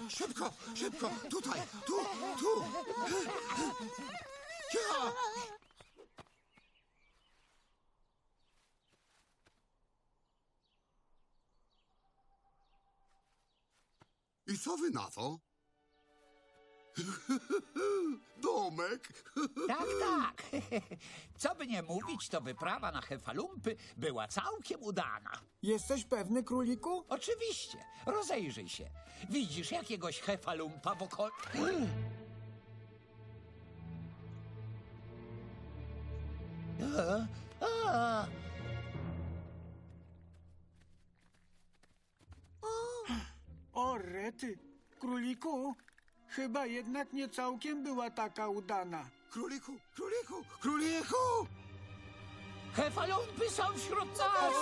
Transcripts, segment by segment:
Szybko, szybko, tutaj, tu. Ja! I co wy na to? Domek? Tak, tak. Co by nie mówić, to wyprawa na Hefalumpy była całkiem udana. Jesteś pewny, króliku? Oczywiście. Rozejrzyj się. Widzisz jakiegoś Hefalumpa w okol... O, rety. Króliku, chyba jednak nie całkiem była taka udana. Króliku! Hefalumpy są wśród nas!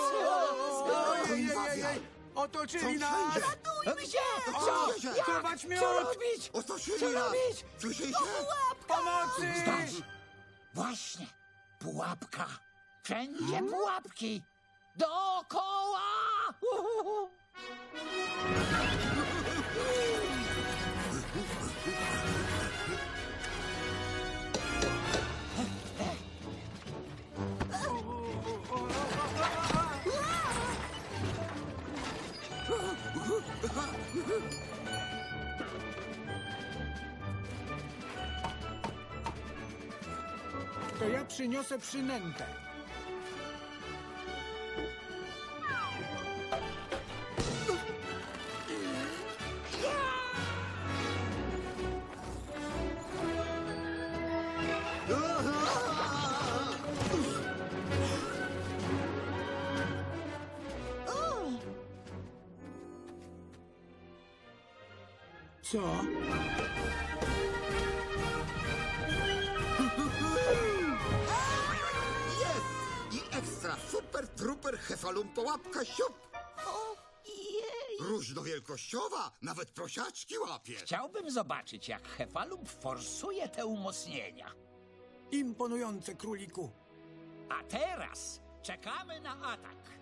Ojej, otoczyli Są nas! wszędzie. Gdzie? Co? Gdzie? Jak? Chować miód! Co robić? Otoczyli Co nas! robić? Słyszycie? Pomocy! Zdarzy. Właśnie. Pułapka. Wszędzie pułapki. Dookoła! Uhuhu. To ja przyniosę przynętę. Co? Jest! I ekstra super truper Hefalumpo łapka siup! Ojej! Różnowielkościowa, nawet prosiaczki łapie. Chciałbym zobaczyć, jak Hefalump forsuje te umocnienia. Imponujące, króliku. A teraz czekamy na atak.